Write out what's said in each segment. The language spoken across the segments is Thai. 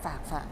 ฝาก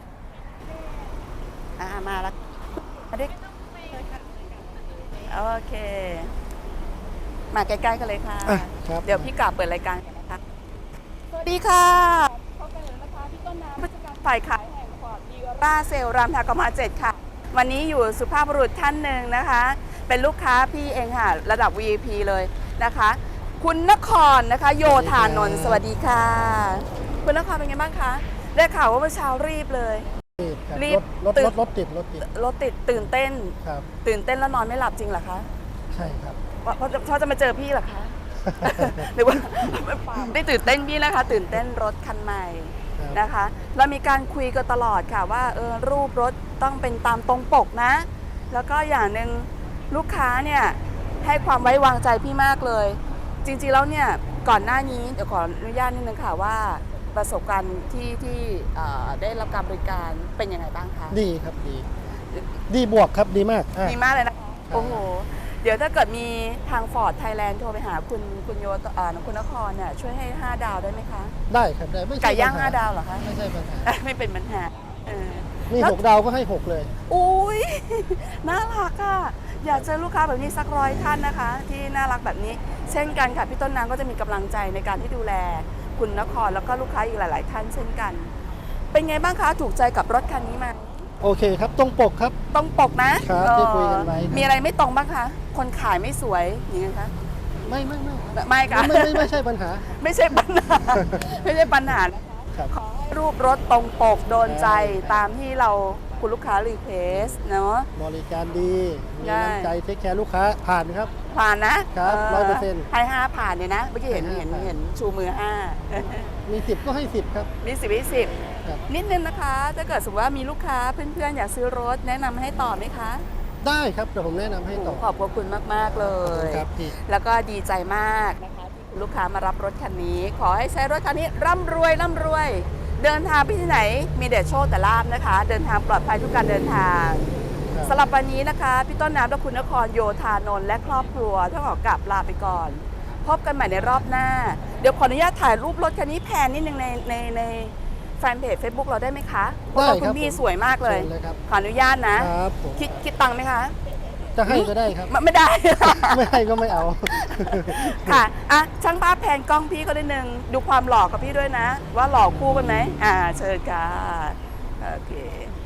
มาแล้วมาดิโอเค มาใกล้ๆกันเลยค่ะครับเดี๋ยวพี่กาบเปิดรายการกันนะคะสวัสดีค่ะพบกันแล้วนะคะพี่ต้นน้ำผู้จัดการฝ่ายขายแห่งฟอร์ดดีร่าเซลรามทากมา7ค่ะ วันนี้อยู่สุภาพบุรุษท่านหนึ่งนะคะ เป็นลูกค้าพี่เองค่ะ ระดับ VIP เลยนะคะ คุณนครนะคะ โยธานนท์สวัสดีค่ะ คุณนครเป็นไงบ้างคะได้ข่าวว่าเมื่อเช้ารีบเลย รีบรถติดรถติดตื่นเต้นครับตื่นเต้นแล้วนอนไม่หลับจริงเหรอคะใช่ครับเพราะจะมาเจอพี่เหรอคะ หรือว่าได้ตื่นเต้นพี่นะคะ ตื่นเต้นรถคันใหม่นะคะเรามีการคุยกันตลอดค่ะว่ารูปรถต้องเป็นตามตรงปกนะ แล้วก็อย่างหนึ่งลูกค้าเนี่ยให้ความไว้วางใจพี่มากเลย จริงๆแล้วเนี่ยก่อนหน้านี้เดี๋ยวขออนุญาตนิดนึงค่ะว่าประสบการณ์ที่ได้รับการบริการเป็นยังไงบ้างคะดีครับดีบวกครับดีมากดีมากเลยนะโอ้โหเดี๋ยวถ้าเกิดมีทาง Ford Thailand โทรไปหาคุณโยคุณนครเนี่ยช่วยให้ 5 ดาวได้ไหมคะได้ครับได้ไม่ใช่ไก่ย่างปัญห 5 ดาวเหรอคะไม่ใช่ปัญหาไม่เป็นปัญหามีแล้ว 6 ดาวก็ให้ 6 เลยอุ้ย น่ารักอ่ะอยากเจอลูกค้าแบบนี้สัก100 ท่านนะคะ ที่น่ารักแบบนี้ เช่นกันค่ะพี่ต้นน้ำก็จะมีกำลังใจในการที่ดูแลคุณนครแล้วก็ลูกค้าอีกหลาย ๆ ท่านเช่นกัน เป็นไงบ้างคะถูกใจกับรถคันนี้ไหมโอเคครับตรงปกครับตรงปกนะครับที่คุยกันไว้ครับมีอะไรไม่ตรงบ้างคะคนขายไม่สวยอย่างนี้คะไม่ไม่ค่ะไม่ใช่ปัญหาไม่ใช่ปัญหา ไม่ใช่ปัญหานะคะครับขอให้รูปรถตรงปกโดนใจตามที่เราคุณลูกค้ารีเควสเนาะบริการดีมีได้น้ำใจเทคแคร์ลูกค้าผ่านครับผ่านนะครับ 100% ให้5ผ่านเนี่ยนะเมื่อกี้เห็นให้5ผ่านเห็นชูมือมี 10 ก็ให้ 10 ครับ 5มี10 ครับนิดนึงนะคะถ้าเกิดสมมติว่ามีลูกค้าเพื่อนๆอยากซื้อรถแนะนำให้ต่อไหมคะได้ครับเดี๋ยวผมแนะนำให้ต่อขอบพระคุณมากๆเลยครับพี่แล้วก็ดีใจมากนะคะที่คุณลูกค้ามารับรถคันนี้ ขอให้ใช้รถคันนี้ร่ำรวย เดินทางไปที่ไหนมีแต่โชคแต่ลาภนะคะ เดินทางปลอดภัยทุกการเดินทางครับสำหรับวันนี้นะคะพี่ต้นน้ำและคุณนครโยธานนท์และครอบครัวต้องขอกลับลาไปก่อน พบกันใหม่ในรอบหน้า เดี๋ยวขออนุญาตถ่ายรูปรถคันนี้แพนนิดนึงในแฟนเพจ Facebook เราได้ไหมคะเพราะว่าคุณพี่สวยมากเลยชิญครับขออนุญาตนะครับผมคิดตังค์ไหมคะจะให้ก็ได้ครับไม่ได้ไม่ให้ก็ไม่เอาค่ะอ่ะช่างภาพแพนกล้องพี่ก็ได้นึงดูความหล่อกับพี่ด้วยนะ ว่าหล่อคู่กันไหมเชิญค่ะโอเค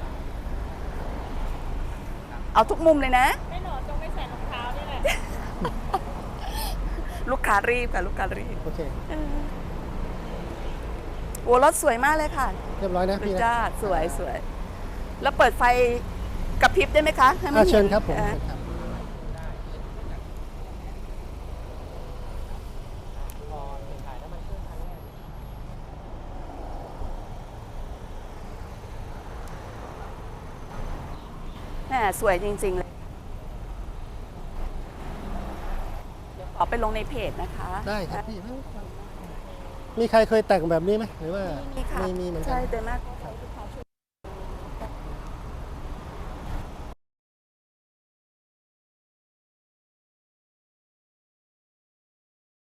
เอาทุกมุมเลยนะไม่หนอนตรงไม่ใส่รองเท้านี่แหละลูกค้ารีบค่ะลูกค้ารีบโอเคโอ้รถสวยมากเลยค่ะเรียบร้อยนะพี่นะจ้าสวยแล้วเปิดไฟกระพริบได้ไหมคะให้มันเชิญครับผมอ่าเชิญครับแหมสวยจริงๆเลยเดี๋ยวขอไปลงในเพจนะคะได้ครับพี่มีใครเคยแต่งแบบนี้ไหมหรือว่ามีค่ะมีเหมือนกัใช่นแต่มาก